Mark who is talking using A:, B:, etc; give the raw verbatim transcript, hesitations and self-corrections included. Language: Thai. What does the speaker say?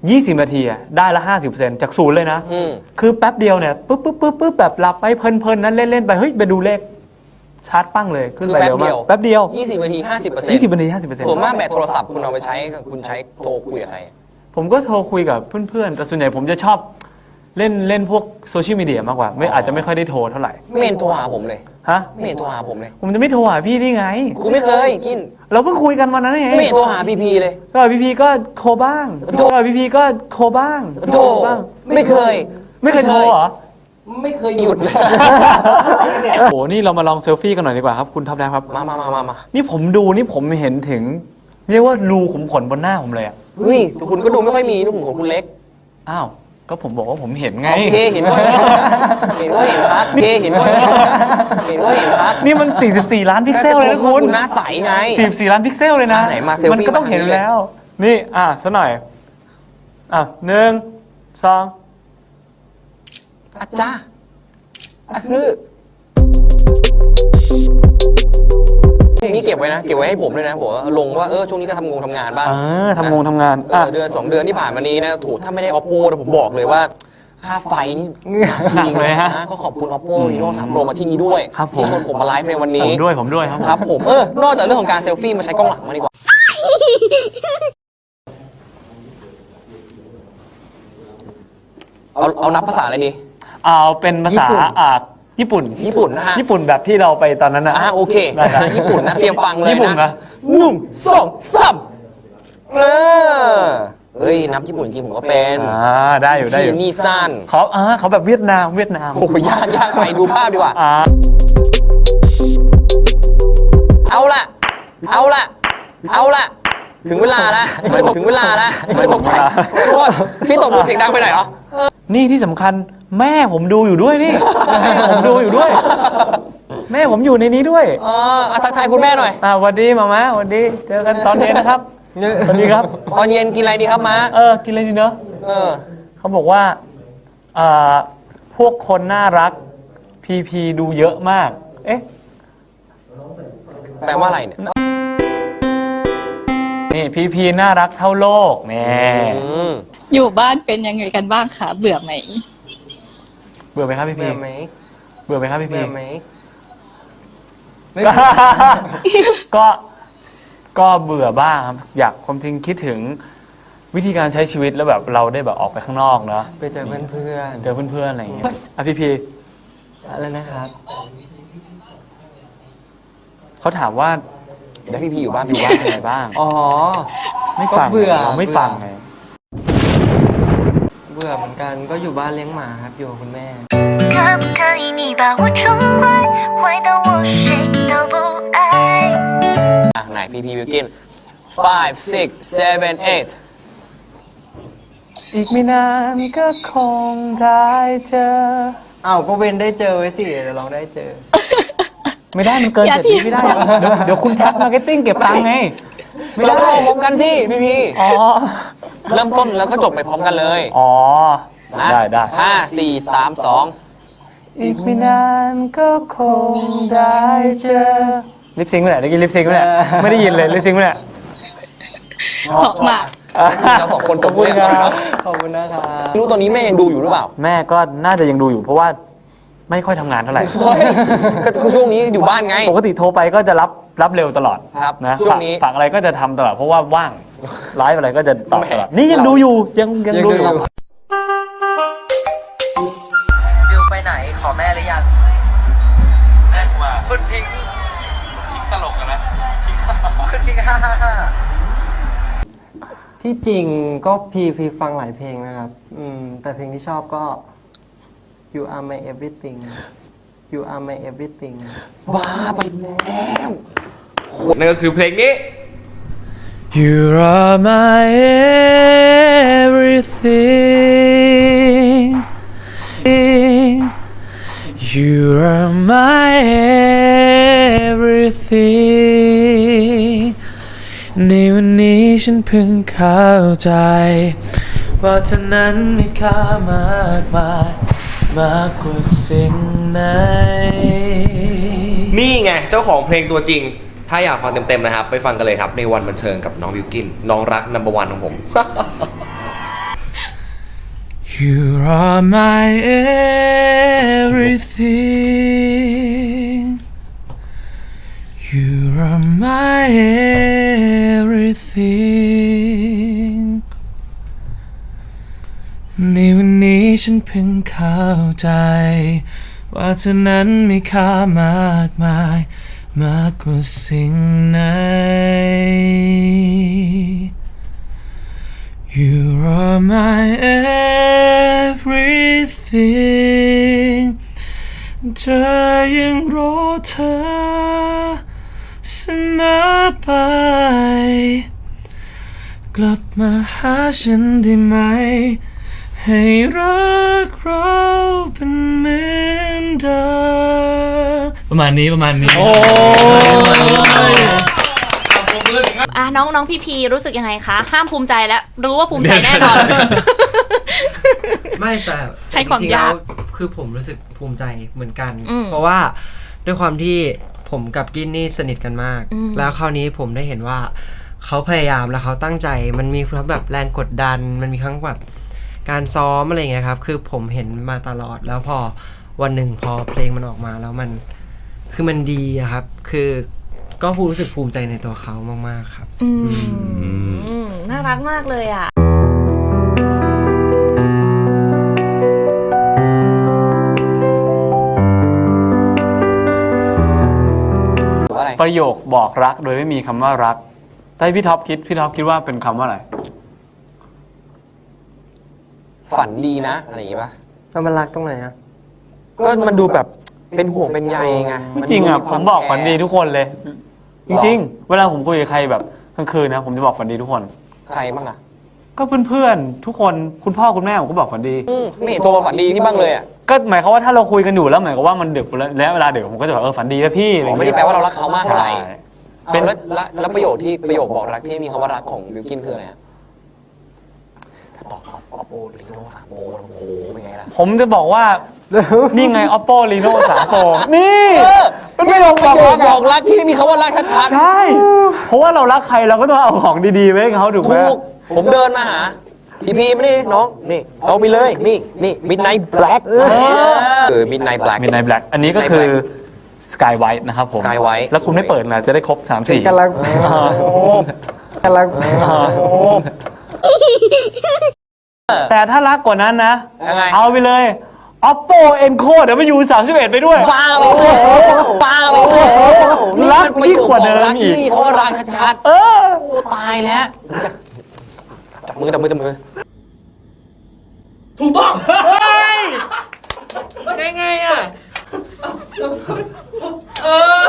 A: ยี่สิบนาทีอะได้ละ ห้าสิบเปอร์เซ็นต์ จากศูนย์เลยนะ
B: อืม
A: คือแป๊บเดียวเนี่ยปุ๊บปุ๊บปุ๊บปุ๊บแบบหลับไปเพลินๆนั้นเล่นๆไปเฮ้ยไปดูเลขชาร์จปั้งเลยขึ้นไปเร็วมากแป๊บเดียว
B: ยี่สิบนาที ห้าสิบเปอร์เซ็นต์
A: ยี่สิบนาที ห้าสิบเปอร์เซ็นต์
B: ส่วนมากแบตโทรศัพท์คุณเอาไปใช้คุณใช้โทรคุยกับใคร
A: ผมก็โทรคุยกับเพื่อนๆแต่ส่วนใหญ่ผมจะชอบเล่นเล่นพวกโซเชียลมีเดียมากกว่าไม่อาจจะไม่ค่อยได้โทรเท่าไหร่
B: ไม่เห็นโทรหาผมเลย
A: ฮะ
B: ไม่เห็นโทรหาผมเลย
A: ผมจะไม่โทรหาพี่นี่ไง
B: กูไม่เคยกิน
A: เราเพิ่งคุยกันวันนั้นเอง
B: ไม่เห็นโทรหาพีพีเลย
A: ก็พี่พีก็โทรบ้าง
B: โทร
A: ก็พี่พีก็โทรบ้าง
B: โทร
A: บ้าง
B: ไม่เคย
A: ไม่เคยโทรเหรอ
B: ไม่เคยหยุดเลย
A: โอ้โหนี่เรามาลองเซลฟี่กันหน่อยดีกว่าครับคุณท็อปแดงครับ
B: มามามามามา
A: นี่ผมดูนี่ผมเห็นถึง เรียกว่ารูขุมขนบนหน้าผมเลยอ่ะ
B: เฮ้ยแต่คุณก็ดูไม่ค่อยมีลูกของคุณเล็ก
A: อ้าวก็ผมบอกว่าผมเห็นไง
B: โอเคเห็นว่าเห็นเห็นว่าเห็นพัดโอเคเห็นว่าเห็นเห็นว่าเห็นพัด
A: นี่มัน สี่สิบสี่ ล้านพิกเซลเลยนะคุณ
B: คุณหน้าใสไง
A: สี่สิบสี่ ล้านพิกเซลเลยนะ
B: อ่ะไหนมาเซลฟี่
A: มันก็ต้องเห็นอยู่
B: มาทางนี้เลย
A: แล้ว นี่อ่ะสักหน่อยอ่ะหนึ่งสอง
B: อาจ้าอ่ะคือนี่เก็บไว้นะ เก็บไว้ให้ผมด้วยนะผมลงว่าเออช่วงนี้ก็ทำงงทำงานบ้าง
A: เออทำงงทำงาน
B: เออเดือนสองเดือนที่ผ่านมานี้นะถูกถ้าไม่ได้ oppo นะผมบอกเลยว่า ค่าไฟนี่
A: หนักเลยฮะ
B: นะก็ขอบคุณ oppo reno สาม pro มาที่นี้ด้วย
A: ครับผม
B: ที่ชวนผมมาไลฟ์ในวัน
A: ผ
B: นี้
A: มด้วยผมด้วยครับ
B: ครับผมเออนอกจากเรื่องของการเซลฟี่มาใช้กล้องหลังมาดีกว่า เอาเอานับภาษาอะไรดี
A: เอาเป็นภาษาอ่าญี่ปุ่น
B: ญี่ปุ่นนะฮะ
A: ญี่ปุ่นแบบที่เราไปตอนนั้นนะ
B: อ่าโอเค
A: ได้ได้
B: ญี่ปุ่นนะเตรียมฟังเลยนะ
A: ญี่ปุ่นนะ
B: หนึ่งสองสามเออเฮ้ยนับญี่ปุ่นจริงผมก็เป็น
A: อ่าได้อยู่ได้อ
B: ชี
A: ยู่
B: นี่สั้น
A: เขาอ่าเขาแบบเวียดนามเวียดนาม
B: โอ้ยยากยากไปดูภาพดีกว่า
A: อ่า
B: เอาละเอาละเอาละถึงเวลาแล้วไม่ตกถึงเวลาแล้วไม่ตกใจขอโทษพี่ตกดูเสียงดังไปหน่อยเหรอ
A: นี่ที่สำคัญแม่ผมดูอยู่ด้วยนี่ แม่ผมดูอยู่ด้วย แม่ผมอยู่ในนี้ด้วย
B: เอออ่ะทักทายคุณแม่หน่อย
A: อ่าสวัสดีมาม่าสวัสดีเจอกันตอนเย็นนะครับสวัสดีครับ
B: ตอนเย็นกินอะไรดีครับม้า
A: เออกินอะไรดีเนอะ
B: เออ
A: เขาบอกว่าอ่าพวกคนน่ารักพีพีดูเยอะมาก เอ๊ะ
B: แปลว่าอะไรเนี่ย
A: นี่พีพีน่ารักเท่าโลกแน่
B: อืม
C: อยู่บ้านเป็นยังไงกันบ้างคะเบื่อไหม
A: เบื่อไหมครับพี่พี
B: เบื่อไหม
A: เบื่อไหมครับพี่พี
B: เบื่อไหม
A: ก็ก็เบื่อบ้างครับอยากความจริงคิดถึงวิธีการใช้ชีวิตแล้วแบบเราได้แบบออกไปข้างนอกเนาะ
D: ไปเจอเพื่อน
A: เจอเพื่อนๆอะไรอย่างเงี้ยอ่ะพี่พี
D: ๆอะไรนะครับ
A: เขาถามว่า
B: เดี๋ยวพี่พี่อยู่บ้าน
A: อยู่บ้านเป็นไงบ้าง
D: อ๋อ
A: ไม่ฟัง
D: ก็เบื่อ
A: เราไม่ฟังไง
D: เบื่อเหมือนกันก็อยู่บ้านเลี้ยงหมาครับอยู่กับคุณแม่
E: 可不可以你把我宠坏，坏到我谁都不爱？
B: อ่ะไหนพี่พี่วิวกิน five six seven eight
A: อีกไม่นานก็คงได้เจอ
D: อ้าวก็เว้นได้เจอไว้สิเดี๋ยวลองได้เจอ
A: ไม่ได้มันเกิน
C: อย่า
A: เจ็ดวิไม่ได้เดี๋ยวเดี๋ยวคุณแท็กมาร์เก็ตติ้งเก็บตังค์ไงไม่
B: เรา
A: ได้
B: ก็ลงพร้อมกันที่พี่พี่
A: อ๋อ
B: เริ่มต้นแล้วก็จบไปพร้อมกันเลย
A: อ๋อ
B: นะ
A: ได้ได้
B: ห้าสี่สามสอง
A: อีกไม่นานก็คงได้เจอลิปซิงค์ไปไหนเมื่อกี้ลิปซิงค์ไปไหนไม่ได้ยินเลยลิปซิงค์ไปไหน
C: ออกมา
B: เราสองคนต
A: ข
B: บ
A: อบคุ
B: มื
A: ณ
B: อ
A: ค
B: กัน
A: รับ
D: ขอบคุณนะครับ
B: ไม่รู้ตอนนี้แม่ยังดูอยู่หรือเปล่า
A: แม่ก็น่าจะยังดูอยู่เพราะว่าไม่ค่อยทำงานเท่าไหร่
B: เฮ้ยก็ก็ช่วงนี้อยู่บ้านไง
A: ปกติโทรไปก็จะรับรับเร็วตลอด
B: ครับ
A: นะ
B: ช่วงนี้
A: ฝากฝากอะไรก็จะทำตลอดเพราะว่าว่างไลฟ์อะไรก็จะตอบตลอด
B: แหม
A: นี่ยังดูอยู่ยังยังดูอยู่
D: วิวไปไหนขอแม่หรือยังแม่มาคุณพิงพิงตลกนะคุณพิงฮ่าฮ่าฮ่าที่จริงก็พีพีฟังหลายเพลงนะครับ อืม แต่เพลงที่ชอบก็ You Are My Everything You Are My Everything
B: บ้าไปแล้ว
F: นั่นก็คือเพลงนี้
A: You are my everything You are my everything ในวันนี้ฉันเพิ่งเข้าใจว่าเธอนั้นมีค่ามากมายมากกว่าสิ่งไหน
F: นี่ไงเจ้าของเพลงตัวจริง ถ้าอยากฟังเต็มๆนะครับ ไปฟังกันเลยครับ ในวันบันเทิงกับน้องวิวกิน น้องรักนัมเบอร์วันของผม
A: You are my everything. You are my everything. ในวันนี้ฉันเพิ่งเข้าใจว่าเธอนั้นมีค่ามากมายมากกว่าสิ่งไหน You are my everything เธอยังรอเธอเสมอไปกลับมาหาฉันได้ไหมให้รักเราเป็นเหมือนเดิมประมาณนี้ประมาณนี้โอ้ย
G: อ่ะน้องน้องพี่พีรู้สึกยังไงคะห้ามภูมิใจแล้วรู้ว่าภูมิใจแน่นอน
H: ไม่แต่
G: ให้ความ
H: จริงๆ
G: ยาก
H: แล้วคือผมรู้สึกภูมิใจเหมือนกัน
G: อืม
H: เพราะว่าด้วยความที่ผมกับกินนี่สนิทกันมาก
G: อืม
H: แล้วคราวนี้ผมได้เห็นว่าเขาพยายามแล้วเขาตั้งใจมันมีทั้งแบบแรงกดดัน มันมีทั้งแบบการซ้อมอะไรเงี้ยครับคือผมเห็นมาตลอดแล้วพอวันหนึ่งพอเพลงมันออกมาแล้วมันคือมันดีอะครับ คือก็รู้สึกภูมิใจในตัวเขามากๆครับ
G: อืมน่ารักมากเลยอ่ะ
B: หรือว่าอะไร
I: ประโยคบอกรักโดยไม่มีคำว่ารักถ้าให้พี่ท็อปคิดพี่ท็อปคิดว่าเป็นคำว่าอะไร
B: ฝันดีนะอะไรอย่างงี้ป่ะ
H: แล้วมันรักตรงไหนอะ
B: ก็มันดูแบบเป็นห่วงเป็นใยไง
I: จริงอ่ะผมบอกฝันดีทุกคนเลย จริงๆ เวลาผมคุยกับใครแบบกลางคืนนะผมจะบอกฝันดีทุกคน
B: ใครบ้างอ่ะ
I: ก็เพื่อนๆทุกคนคุณพ่อคุณแม่ผมก็บอกฝันดี
B: อืมไม่เห็นโทรมาฝันดีพี่บ้างเลยอ่ะ
I: ก็หมายความว่าถ้าเราคุยกันอยู่แล้วหมายความว่ามันดึกแล้วและเวลาดึกผมก็จะบอกเออฝันดีนะพี่อะไร
B: อ๋อ
I: เงี้ย
B: ไม่ได้แปลว่าเรารักเขามากเท่าไหร่
I: ใช่
B: เป็นแล้วแล้วแล้วประโยคที่ประโยคบอกรักที่มีคำว่ารักของบิวกินคืออะไรฮะถ้าตอบออปโปลีโน่สามโปโอ้โหเป็นไงล่ะ
I: ผมจะบอกว่า นี่ไง oppo reno สาม pro นี่
B: เออ
I: มันไม่ลง
B: ป
I: บ
B: ระ
I: อก
B: โย
I: รั
B: ค
I: ก
B: บ
I: อะ
B: อกรักที่มีคำว่ารักชัด
I: ใช่ เพราะว่าเรารักใครเราก็ต้องเอาของดีๆไว้ให้เขาถูก
B: ๆ
I: ไหม
B: ถูกผมเดินมาหาพี่พีมานี่น้องนี่เอาไปเลยนี่นี่ midnight black เออ midnight black
I: midnight black อันนี้ก็คือ sky white นะครับผม
B: Sky White
I: แล้วคุณไม่เปิดนะจะได้ครบสามสี่
H: กำลังกำลัง
I: แต่ถ้ารักกว่านั้นนะ
B: ยังไง
I: เอาไปเลย oppo enco เดี๋ยวมาอยู่สามสิบเอ็ดไปด้วย
B: บ้าไปเลยบ้าไปเลย
I: รักยิ่งกว่าเดิมอีก
B: นี่นประโยคบอกรักที่มีคำว่ารักชัด
I: เออ
B: ๆโอ้ตายแล้วจับจับมือจับมือจับมือ
A: ได้ไงอ่ะ เออ